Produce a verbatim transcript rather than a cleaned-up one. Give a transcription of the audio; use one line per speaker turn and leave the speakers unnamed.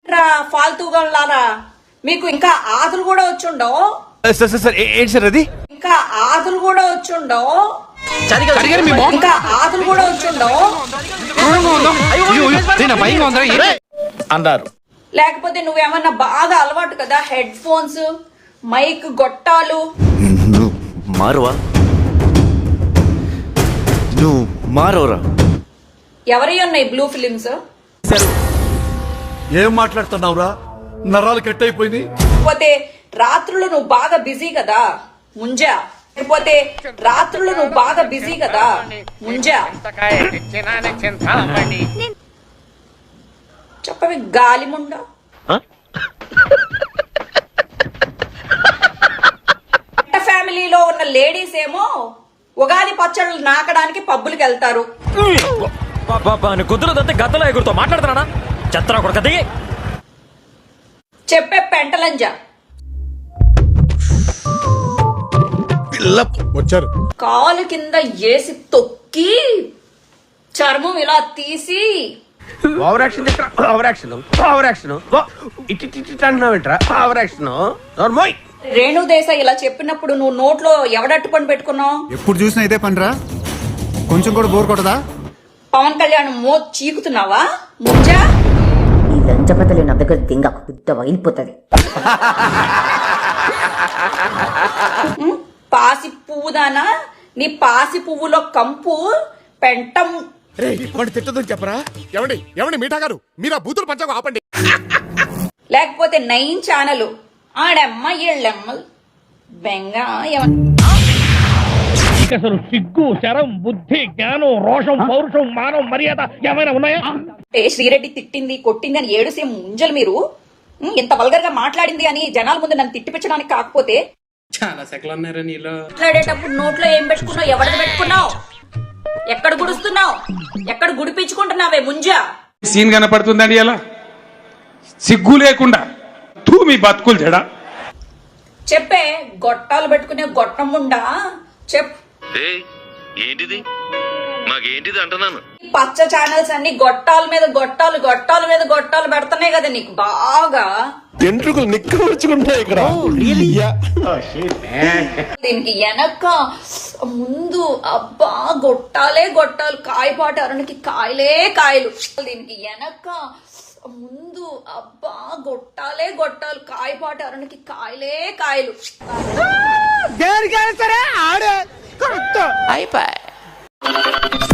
రా ఫాల్తూగా లారా మీకు ఇంకా ఆదులు కూడా వచ్చుండవు.
ఏంటి సార్ అది?
ఇంకా ఆదులు కూడా వచ్చుండవు. ఇంకా ఆదులు కూడా వచ్చుండవు
అన్నారు.
లేకపోతే నువ్వేమన్నా బాగా అలవాటు కదా హెడ్ ఫోన్స్, మైక్, గొట్టాలు.
నువ్వు మారువా? నువ్వు మారవరా?
ఎవరి ఉన్నాయి బ్లూ ఫిలిమ్స్?
ఏం మాట్లాడుతున్నావురా? నరాలు కట్ అయిపోయింది.
లేకపోతే రాత్రులు నువ్వు బాగా బిజీ కదా ముంజా. లేకపోతే రాత్రులు నువ్వు బాగా బిజీ కదా ముంజా. చెప్పవి గాలి ముండ. ఫ్యామిలీలో ఉన్న లేడీస్ ఏమో ఉగాది పచ్చళ్ళు నాకడానికి పబ్బులకి వెళ్తారు.
గద్దలో ఎగురుతో మాట్లాడుతున్నా చెత్త కొడుకు
చెప్పే పెంటలంజ
వచ్చారు.
కాలు కింద ఏసి తొక్కి చర్మం ఇలా తీసి
over action over action over action ఇటు అంటున్నావేంట్రా? ఓవర్ యాక్షన్ నోర్మోయ్.
రేణు దేశాయ్ ఇలా చెప్పినప్పుడు నువ్వు నోట్లో ఎవడట్టు పని పెట్టుకున్నావు?
ఎప్పుడు చూసినా ఇదే పనిరా, కొంచెం కూడా బోర్ కొట్టదా?
పవన్ కళ్యాణ్ మో చీకుతున్నావా ముంజా?
ఈ లంచపతలు నా దగ్గర దింగ బుద్ధ వగిలిపోతుంది.
పాసి పువ్వుదానా, నీ పాసి పువ్వులో కంపు పెంటం.
తిట్టదని చెప్పరా? ఎవండి ఎవండి మీఠా గారు, మీరు ఆ బూతులు పంచకు ఆపండి.
లేకపోతే నైన్ ఛానల్ ఆడమ్మ ఏళ్ళమ్మ బెంగ
అసలు సిగ్గు, శరం, బుద్ధి, జ్ఞానం, రోషం, పౌరుషం, మానం, మర్యాద ఏమైనా ఉన్నాయా?
అంటే శ్రీరెడ్డి తిట్టింది కొట్టింది అని ఏడుసే ముంజలు మీరు ఇంత వల్గర్ గా మాట్లాడింది అని జనాల ముందు నన్ను తిట్టిపించడానికి కాకపోతే
చాలా సెకలు ఉన్నారా నీలో?
మాట్లాడేటప్పుడు నోట్లో ఏం పెట్టుకున్నావు? ఎవరిది పెట్టుకున్నావు? ఎక్కడ గుడుస్తున్నావు? ఎక్కడ గుడిపించుకుంటున్నావే ముంజా?
సీన్ కనపడుతుందండి అలా సిగ్గు లేకుండా తూ మీ బతుకులు జడా.
చెప్పే గొట్టాలు పెట్టుకునే గొట్టం ఉండా చెప్.
ఏంటిది మాకేంటిది అంటున్నాను.
పచ్చ ఛానల్స్ అన్ని గొట్టాల మీద గొట్టాలు గొట్టాల మీద గొట్టాలు పెడుతున్నాయి కదా నీకు బాగా.
ఎంట్రుకలు నిక్కవచ్చుకుంటాయి ఇక్కడ.
దీనికి వెనక ముందు అబ్బా గొట్టాలే గొట్టాలు, కాయపాటి అరుణకి కాయలే కాయలు. దీనికి వెనక ముందు అబ్బా గొట్టాలే గొట్టాలు, కాయపాటి అరుణకి కాయలే కాయలు.
దేనికైనా సరే ఆడే అయిపోయి